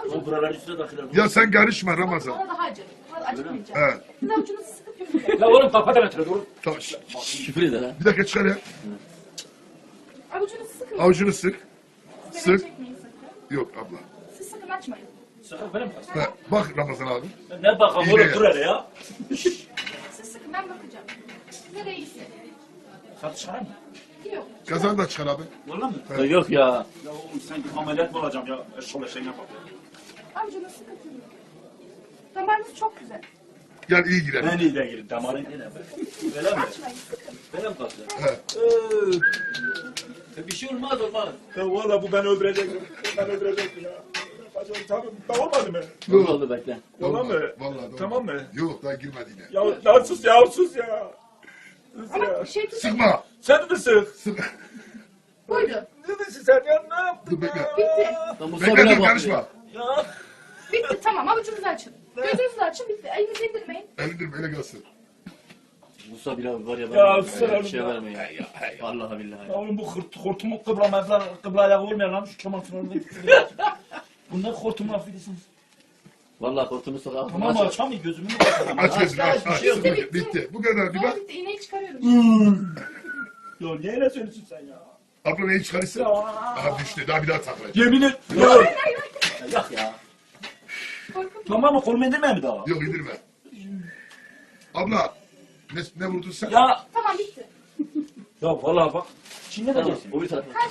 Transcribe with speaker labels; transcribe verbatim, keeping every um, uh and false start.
Speaker 1: Avucunu,
Speaker 2: O buralar üstüne takılır.
Speaker 3: Ya sen karışma Ramazan.
Speaker 1: bana daha acı. Bana acıtmayacak.
Speaker 3: He.
Speaker 1: Siz avucunuzu sıkıp yapın.
Speaker 2: Ya oğlum kapat hemen telefonu.
Speaker 3: Tamam. şş,
Speaker 4: Küfür eder ha.
Speaker 3: Bir dakika çıkar ya.
Speaker 1: Avucunuzu sıkın.
Speaker 3: Avucunu sık.
Speaker 1: Beni
Speaker 3: Sık.
Speaker 1: çekmeyin sakın.
Speaker 3: Yok abla.
Speaker 1: Siz sakın açmayın.
Speaker 2: Sakın benim kalsın.
Speaker 3: Ha, bak Ramazan abi.
Speaker 2: Ne bakalım
Speaker 3: İyi
Speaker 2: oğlum
Speaker 3: de-
Speaker 2: dur hele ya.
Speaker 1: Siz sıkın ben bakacağım. Nereye iyisi?
Speaker 2: Satış çıkarayım mı?
Speaker 1: Yok.
Speaker 3: Kazanı da çıkar abi.
Speaker 2: Valla mı?
Speaker 4: Ya yok ya.
Speaker 2: Ya oğlum sanki ameliyat mı olacağım ya? Eşşol eşeğine bak.
Speaker 1: Avucunuzu sıkın. Damarınız çok güzel.
Speaker 3: Gel iyi girelim.
Speaker 2: Ben iyi değilim. Damarın ne be? Öyle mi?
Speaker 1: Açmayın sıkın.
Speaker 2: Öyle mi kalktı?
Speaker 3: He.
Speaker 2: Ee, bir şey olmaz olmaz.
Speaker 5: Ya valla bu beni öldürecek. Ben öldürecek ya. Bacım tamam, tamam olmadı mı?
Speaker 4: Ne oldu bekle.
Speaker 5: Valla mı?
Speaker 3: Vallahi
Speaker 5: Tamam mı?
Speaker 3: Yok daha girmedi yine.
Speaker 5: Ya, ya sus ya sus ya. Sus
Speaker 1: Ama
Speaker 5: ya.
Speaker 1: bir şey tutun.
Speaker 3: Sıkma.
Speaker 5: Sen de sık.
Speaker 3: Sık.
Speaker 1: Buyurun.
Speaker 5: Ne diyorsun sen ya? Ne yaptın
Speaker 3: Dur bekle.
Speaker 1: Bitti.
Speaker 4: Lan bu
Speaker 3: Bekle
Speaker 4: sabire
Speaker 3: dur
Speaker 4: bak
Speaker 3: karışma.
Speaker 4: ya.
Speaker 5: ya?
Speaker 1: Bitti tamam avucunuzu açın. Gözünüzü açın bitti. Elinizi indirmeyin.
Speaker 3: Elindir öyle kalsın.
Speaker 4: Musa bile var ya.
Speaker 5: Ya
Speaker 4: ben
Speaker 5: sus
Speaker 4: bir şey
Speaker 5: ya.
Speaker 4: verme ya. Vallahi billahi.
Speaker 5: Ya oğlum bu hırt, hortumu kıbla mevla kıbla ayağı olmayan lan şu kemal sınırında gitsin. Bunlar hortumu affedersiniz.
Speaker 4: Vallahi korktuğunu sokağa.
Speaker 5: Tamam mı açam mı gözümü mü kapatayım?
Speaker 3: Aç gözünü aç aç.
Speaker 1: Bitti,
Speaker 3: Bitti,
Speaker 1: bitti.
Speaker 3: bitti. Bu kadar bir
Speaker 1: Ben
Speaker 3: bak.
Speaker 1: bitti. İğneyi çıkarıyorum.
Speaker 5: Ya niye öyle söylüyorsun sen ya?
Speaker 3: Abla neyi çıkarırsın?
Speaker 5: Ya.
Speaker 3: Aha düştü. Daha bir daha takılacak.
Speaker 5: Yemin et. Ya.
Speaker 1: Hayır hayır hayır.
Speaker 2: Yok ya.
Speaker 1: Korkun.
Speaker 5: Tamam mı kolumu indirme mi daha?
Speaker 3: Yok indirme. Abla. Ne, ne vurdun sen?
Speaker 5: Ya.
Speaker 1: Tamam bitti.
Speaker 5: Ya valla bak. Çin'de de
Speaker 4: Tamam.
Speaker 5: gelsin.
Speaker 4: O bir tarafa.